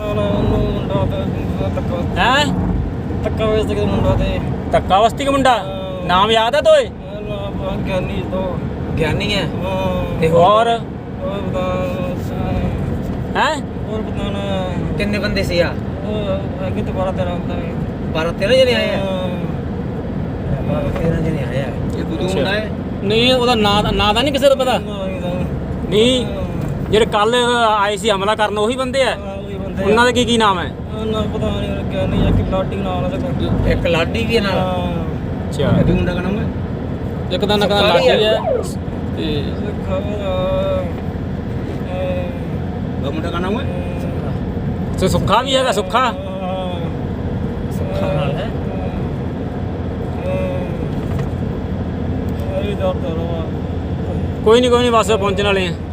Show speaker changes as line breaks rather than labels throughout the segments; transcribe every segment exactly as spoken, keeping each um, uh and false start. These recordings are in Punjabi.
ਹੈ ਧੱਕਾ ਵਸਤੀ ਦਾ ਮੁੰਡਾ ਨਾਮ ਯਾਦ ਹੈ ਤੋਏ
ਗਿਆਨੀ ਤੋਂ
ਗਿਆਨੀ ਹੈ
ਤੇ
ਹੋਰ
ਹੋਰ
ਹੈ
ਹੋਰ ਬਤਾਣਾ
ਕਿੰਨੇ ਬੰਦੇ ਸੀ ਆ
ਅੱਗੇ ਤੋਂ ਬਾਰਾਂ ਤੇਰਾਂ ਹੁੰਦਾ ਹੈ
ਬਾਰਾਂ ਤੇਰਾਂ ਜਣੇ ਆਏ ਆ ਬਾਰਾਂ ਤੇਰਾਂ ਜਣੇ ਆਏ ਆ ਇਹ ਦੂਜਾ ਮੁੰਡਾ ਹੈ
ਨਹੀਂ ਉਹਦਾ ਨਾਂ ਨਾਂ ਤਾਂ ਨਹੀਂ ਕਿਸੇ ਦਾ ਪਤਾ ਨਹੀਂ ਜਿਹੜੇ ਕੱਲ ਆਏ ਸੀ ਹਮਲਾ ਕਰਨ ਉਹੀ ਬੰਦੇ ਆ ਉਹਨਾਂ ਦਾ ਕੀ ਕੀ ਨਾਮ ਹੈ
ਨਾ ਪਤਾ ਨਹੀਂ ਗਿਆਨੀ ਜਾਂ ਕਿ ਲਾਡੀ ਨਾਲ ਉਹਦੇ
ਇੱਕ ਲਾਡੀ ਵੀ ਹੈ ਨਾਲ
ਅੱਛਾ
ਇਹ ਵੀ ਮੁੰਡਾ ਦਾ ਨਾਮ ਹੈ
ਇੱਕ ਦਾ ਨਕਾ ਲਾਡੀ ਹੈ ਤੇ
ਉਹ ਮੁੰਡਾ ਦਾ ਨਾਮ ਹੈ
ਤੇ ਸੁੱਖਾ ਵੀ ਹੈਗਾ ਸੁੱਖਾ
ਸੁੱਖਾ ਨਾਲ ਹੈ
ਕੋਈ ਨਹੀਂ ਕੋਈ ਨਹੀਂ ਬਸ ਪਹੁੰਚਣ ਵਾਲੇ ਆ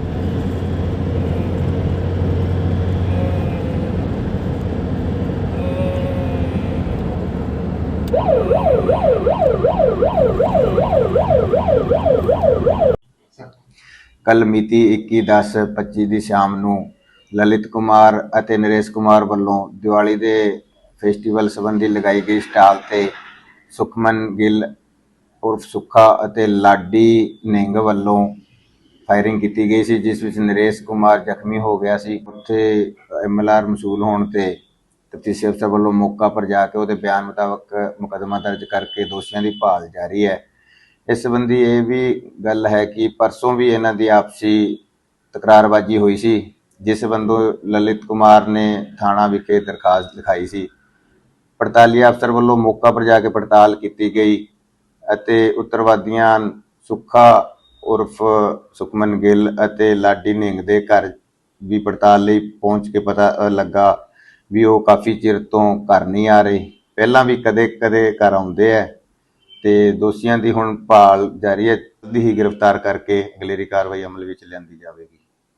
ਕੱਲ ਮਿਤੀ ਇੱਕੀ ਦਸ ਪੱਚੀ ਦੀ ਸ਼ਾਮ ਨੂੰ ਲਲਿਤ ਕੁਮਾਰ ਅਤੇ ਨਰੇਸ਼ ਕੁਮਾਰ ਵੱਲੋਂ ਦੀਵਾਲੀ ਦੇ ਫੈਸਟੀਵਲ ਸੰਬੰਧੀ ਲਗਾਈ ਗਈ ਸਟਾਲ ਤੇ ਸੁਖਮਨ ਗਿੱਲ ਉਰਫ ਸੁੱਖਾ ਅਤੇ ਲਾਡੀ ਨਿੰਗ ਵੱਲੋਂ ਫਾਇਰਿੰਗ ਕੀਤੀ ਗਈ ਸੀ, ਜਿਸ ਵਿੱਚ ਨਰੇਸ਼ ਕੁਮਾਰ ਜ਼ਖਮੀ ਹੋ ਗਿਆ ਸੀ। ਉੱਥੇ ਐਮ ਐਲ ਆਰ ਮਸੂਲ ਹੋਣ ਤੇ ਤਫਤੀਸ਼ੀ ਅਫਸਰ ਵੱਲੋਂ ਮੌਕਾ ਪਰ ਜਾ ਕੇ ਉਹਦੇ ਬਿਆਨ ਮੁਤਾਬਕ ਮੁਕੱਦਮਾ ਦਰਜ ਕਰਕੇ ਦੋਸ਼ੀਆਂ ਦੀ ਭਾਲ ਜਾਰੀ ਹੈ। ਇਸ ਸੰਬੰਧੀ ਇਹ ਵੀ ਗੱਲ ਹੈ ਕਿ ਪਰਸੋਂ ਵੀ ਇਹਨਾਂ ਦੀ ਆਪਸੀ ਤਕਰਾਰਬਾਜੀ ਹੋਈ ਸੀ, ਜਿਸ ਸੰਬੰਧੋਂ ਲਲਿਤ ਕੁਮਾਰ ਨੇ ਥਾਣਾ ਵਿਖੇ ਦਰਖਾਸਤ ਲਿਖਾਈ ਸੀ। ਪੜਤਾਲੀ ਅਫਸਰ ਵੱਲੋਂ ਮੌਕਾ ਪਰ ਜਾ ਕੇ ਪੜਤਾਲ ਕੀਤੀ ਗਈ ਅਤੇ ਉੱਤਰਵਾਦੀਆਂ ਸੁੱਖਾ ਉਰਫ ਸੁਖਮਨ ਗਿੱਲ ਅਤੇ ਲਾਡੀ ਨਿੰਗ ਦੇ ਘਰ ਵੀ ਪੜਤਾਲ ਲਈ ਪਹੁੰਚ ਕੇ ਪਤਾ ਲੱਗਾ ਵੀ ਉਹ ਕਾਫੀ ਚਿਰ ਤੋਂ ਘਰ ਨਹੀਂ ਆ ਰਹੇ। ਪਹਿਲਾਂ ਵੀ ਕਦੇ ਕਦੇ ਘਰ ਆਉਂਦੇ ਹੈ ਤੇ ਦੋਸ਼ੀਆਂ ਦੀ ਹੁਣ ਭਾਲ ਜਾਰੀ ਹੈ। ਜਲਦੀ ਹੀ ਗ੍ਰਿਫਤਾਰ ਕਰਕੇ ਅਗਲੇਰੀ ਕਾਰਵਾਈ ਅਮਲ ਵਿੱਚ ਲਿਆਂਦੀ ਜਾਵੇਗੀ।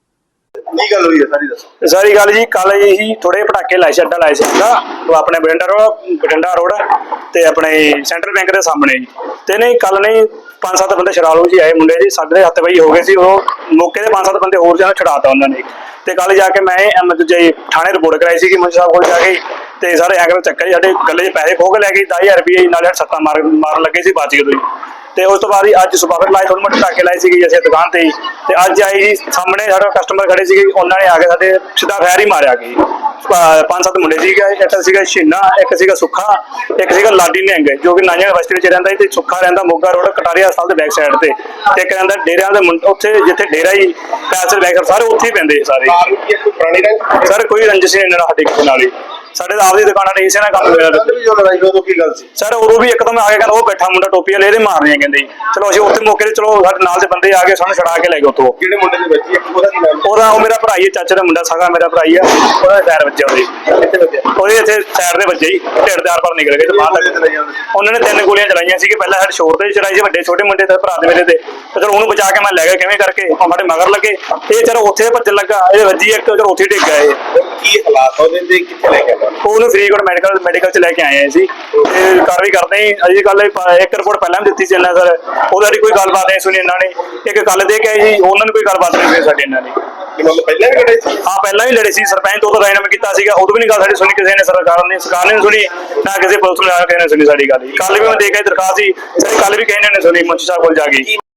ਕੀ ਗੱਲ ਹੋਈ ਹੈ ਸਾਰੀ ਦੱਸੋ।
ਸਾਰੀ ਗੱਲ ਜੀ ਕੱਲ ਇਹੀ ਥੋੜੇ ਪਟਾਕੇ ਲਾਏ ਸੀ, ਅੱਡਾ ਲਾਏ ਸੀ ਅੱਡਾ ਉਹ ਆਪਣੇ ਬਠਿੰਡਾ ਰੋਡ ਬਠਿੰਡਾ ਰੋਡ ਤੇ ਆਪਣੇ ਸੈਂਟਰਲ ਬੈਂਕ ਦੇ ਸਾਹਮਣੇ ਜੀ। ਤੇ ਨਹੀਂ ਕੱਲ ਨਹੀਂ ਪੰਜ ਸੱਤ ਬੰਦੇ ਸ਼ਰਾਲੂ ਜੀ ਆਏ ਮੁੰਡੇ ਜੀ, ਸਾਡੇ ਹੱਥ ਵਈ ਹੋ ਗਏ ਸੀ। ਉਹ ਮੌਕੇ ਤੇ ਪੰਜ ਸੱਤ ਬੰਦੇ ਹੋਰ ਜਾਨ ਛਡਾਤਾ ਉਹਨਾਂ ਨੇ। ਤੇ ਕੱਲ ਜਾ ਕੇ ਮੈਂ ਐਮ ਜੇ ਥਾਣੇ ਰਿਪੋਰਟ ਕਰਾਈ ਸੀ ਕਿ ਮੁੰਸ਼ੀ ਸਾਹਿਬ ਕੋਲ ਜਾ ਕੇ ਤੇ ਸਾਰੇ ਐਂਗਲ ਚੱਕਰ ਜੀ ਸਾਡੇ ਗੱਲੇ 'ਚ ਪੈਸੇ ਖੋਹ ਕੇ ਲੈ ਗਏ ਦਸ ਹਜ਼ਾਰ ਰੁਪਏ ਨਾਲੇ ਸੱਤਾਂ ਮਾਰ ਮਾਰਨ ਲੱਗੇ ਸੀ ਬਚ ਗਏ ਤੁਸੀਂ। ਤੇ ਉਸ ਤੋਂ ਬਾਅਦ ਹੀ ਅੱਜ ਸੁਬਾਹ ਫਿਰ ਲਾਏ ਥੋੜ੍ਹੇ ਮੋਟੇ ਪਟਾਕੇ ਲਾਏ ਸੀਗੇ ਅਸੀਂ ਦੁਕਾਨ ਤੇ ਹੀ। ਤੇ ਅੱਜ ਆਈ ਜੀ ਸਾਹਮਣੇ ਸਾਡਾ ਕਸਟਮਰ ਖੜੇ ਸੀਗੇ, ਉਹਨਾਂ ਨੇ ਆ ਕੇ ਸਾਡੇ ਸਿੱਧਾ ਫੈਰ ਹੀ ਮਾਰਿਆ ਗਈ। ਪੰਜ ਸੱਤ ਮੁੰਡੇ ਸੀਗੇ, ਇੱਕ ਸੀਗਾ ਛੀਨਾ, ਇੱਕ ਸੀਗਾ ਸੁੱਖਾ, ਇੱਕ ਸੀਗਾ ਲਾਡੀ ਨਿਹੰਗ ਜੋ ਕਿ ਨਾਨਿਆਂ ਯੂਨੀਵਰਸਿਟੀ ਵਿੱਚ ਰਹਿੰਦਾ ਸੀ, ਤੇ ਸੁੱਖਾ ਰਹਿੰਦਾ ਮੋਗਾ ਰੋਡ ਕਟਾਰੀਆ ਹਸਪਤਾਲ ਦੇ ਬੈਕ ਸਾਈਡ ਤੇ, ਤੇ ਇੱਕ ਰਹਿੰਦਾ ਡੇਰਿਆਂ ਦੇ ਉੱਥੇ ਜਿੱਥੇ ਡੇਰਾ ਹੀ ਪੈਸੇ ਦੇ ਬੈਕ ਸਾਰੇ ਉੱਥੇ ਹੀ ਪੈਂਦੇ ਸਾਰੇ। ਸਰ ਕੋਈ ਰੰਜਿਸ਼ ਨਹੀਂ ਇਹਨਾਂ ਸਾਡੇ ਕਿਸੇ ਨਾਲ ਹੀ, ਸਾਡੇ ਤਾਂ ਆਪਦੀ ਦੁਕਾਨਾਂ ਨੇ ਇਸੇ ਨਾਲ ਕੰਮ ਹੋਇਆ। ਸਰ ਉਦੋਂ ਵੀ ਇੱਕਦਮ ਆ ਕੇ ਕਹਿੰਦਾ ਉਹ ਬੈਠਾ ਮੁੰਡਾ ਟੋਪੀ ਵਾਲੇ ਇਹਦੇ ਮਾਰਨੇ ਕਹਿੰਦੇ। ਚਲੋ ਅਸੀਂ ਉੱਥੇ ਮੌਕੇ ਤੇ ਚਲੋ ਸਾਡੇ ਨਾਲ ਦੇ ਬੰਦੇ ਆ ਕੇ ਸਾਨੂੰ ਛੜਾ ਕੇ ਲੈ ਗਏ ਉੱਥੋਂ।
ਕਿਹੜੇ ਮੁੰਡੇ ਦੇ ਬੱਚੇ ਉਹਦਾ ਕੀ ਨਾਮ?
ਉਹਦਾ ਉਹ ਮੇਰਾ ਭਰਾ ਹੀ ਹੈ, ਚਾਚੇ ਦਾ ਮੁੰਡਾ ਸਾਗਾ ਮੇਰਾ ਭਰਾ ਹੀ ਆ। ਉਹਦਾ ਟਾਇਰ ਵੱਜਿਆ ਉਹਦੇ ਉਹਦੇ ਇੱਥੇ ਟਾਇਰ ਦੇ ਵੱਜੇ ਹੀ ਢਿੱਡ ਦੇ ਆਰ ਪਾਰ ਨਿਕਲ ਗਏ ਤੇ ਬਾਹਰ ਤੱਕ। ਉਹਨਾਂ ਨੇ ਤਿੰਨ ਗੋਲੀਆਂ ਚਲਾਈਆਂ ਸੀਗੇ, ਪਹਿਲਾਂ ਸਾਡੇ ਸ਼ੋਰ ਤੇ ਚਲਾਈ ਸੀ ਵੱਡੇ ਛੋਟੇ ਮੁੰਡੇ ਤੇ ਭਰਾ ਦੇ ਮੇਰੇ ਤੇ। ਤੇ ਚਲੋ ਉਹਨੂੰ ਬਚਾ ਕੇ ਮੈਂ ਲੈ ਗਿਆ ਕਿਵੇਂ ਕਰਕੇ, ਉਹ ਸਾਡੇ ਮਗਰ ਲੱਗੇ। ਇਹ ਚਲੋ ਉੱਥੇ ਭੱਜਣ ਲੱਗਾ, ਇਹ ਵੱਜੀ ਇੱਕ ਚਲੋ ਉੱਥੇ ਡਿੱਗ ਗਿਆ। ਇਹ
ਕੀ ਹਾਲਾਤ ਉਹਦੇ ਤੇ ਕਿੱਥੇ ਲੈ ਕੇ ਆਇਆ?
ਉਹਨੂੰ ਫਰੀਦਕੋਟ ਮੈਡੀਕਲ ਮੈਡੀਕਲ ਚ ਲੈ ਕੇ ਆਏ ਸੀ ਤੇ ਕਾਰਵਾਈ ਕਰਦੇ ਹਾਂ। ਅਜੇ ਕੱਲ ਇੱਕ ਰਿਪੋਰਟ ਪਹਿਲਾਂ ਵੀ ਦਿੱਤੀ ਸੀ ਇਹਨਾਂ ਸਰ, ਉਹਦਾ ਕੋਈ ਗੱਲਬਾਤ ਨਹੀਂ ਸੁਣੀ ਇਹਨਾਂ ਨੇ। ਇੱਕ ਕੱਲ ਦੇ ਕੇ ਆਏ ਸੀ, ਉਹਨਾਂ ਨੂੰ ਕੋਈ ਗੱਲਬਾਤ ਨਹੀਂ ਸੁਣੀ ਸਾਡੀ ਇਹਨਾਂ ਨੇ।
ਪਹਿਲਾਂ ਵੀ ਲੜੇ ਸੀ?
ਹਾਂ ਪਹਿਲਾਂ ਵੀ ਲੜੇ ਸੀ, ਸਰਪੰਚ ਤੋਂ ਰਾਇਨਾਮਾ ਕੀਤਾ ਸੀਗਾ, ਉਦੋਂ ਵੀ ਨਹੀਂ ਗੱਲ ਸਾਡੀ ਸੁਣੀ ਕਿਸੇ ਨੇ। ਸਰਕਾਰ ਨੇ ਸਰਕਾਰ ਨੇ ਸੁਣੀ ਨਾ ਕਿਸੇ ਪੁਲਿਸ ਨੇ ਕਿਸੇ ਨੇ ਸੁਣੀ ਸਾਡੀ ਗੱਲ। ਕੱਲ ਵੀ ਮੈਂ ਦੇ ਕੇ ਦਰਖਾਸਤ ਸੀ, ਕੱਲ ਵੀ ਕਿਸੇ ਨੇ ਸੁਣੀ ਮੁੰਸ਼ੀ ਸਾਹਿਬ ਕੋਲ ਜਾ ਕੇ।